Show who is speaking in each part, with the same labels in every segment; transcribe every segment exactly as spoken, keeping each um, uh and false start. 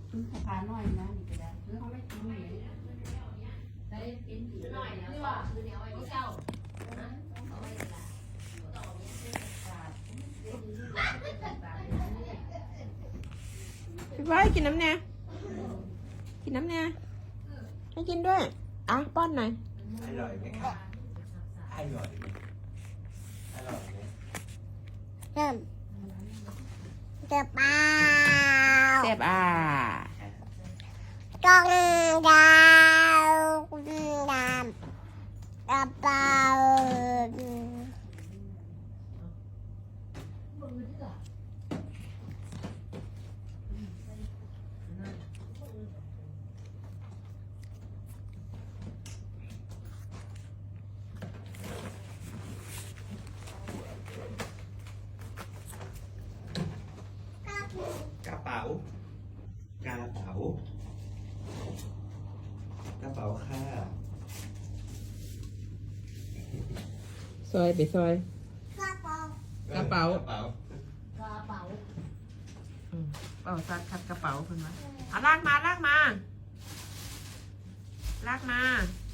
Speaker 1: สะพานน้อยนะนี่ก็ได้คือเขาไม่กินเลยได้กินหน่อยนะว่าคือเดี๋ยวไว้ที่เจ้าเอาไว้ละต่อเนี้ยเป็นบาทบาท
Speaker 2: พี่ไว้กินน้ำแน่กินน้ำแน่ให้กินด้วยอ่ะป้อนหน่อย
Speaker 3: อร่อยไหมคะอร่อยไหมอร่อยไหม
Speaker 4: เริ่มเก็บเปล่า
Speaker 2: เสียบอ่ะ
Speaker 4: กองดาวดำกระเป๋า
Speaker 3: กระเป๋ากระเป๋ากระเป๋าค่ะ
Speaker 2: ซอยไปซอย
Speaker 4: กระเป๋าก
Speaker 2: ระเป๋า
Speaker 3: กระเป๋าก
Speaker 1: ระเป๋า
Speaker 2: อืมเป๋าซัดคัดกระเป๋าขึ้นมาเอาลากมาลากมาลากมาก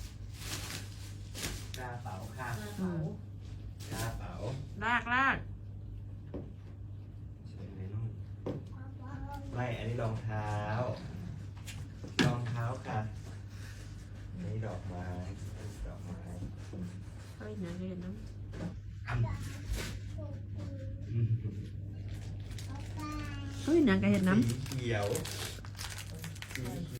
Speaker 3: ระเป๋าค่ะ
Speaker 2: อืม
Speaker 3: กระเป๋า
Speaker 2: ลากลาก
Speaker 3: ใช่ไหมนุ่นไม่อันนี้รองเท้ารองเท้าค่ะอันนี้ดอกไม้ดอกไม้
Speaker 2: เฮ้ยนะเรียนน้
Speaker 3: อืม
Speaker 2: ำเฮ้ยนางก็เห็นน้ำ
Speaker 3: สีเขียวสี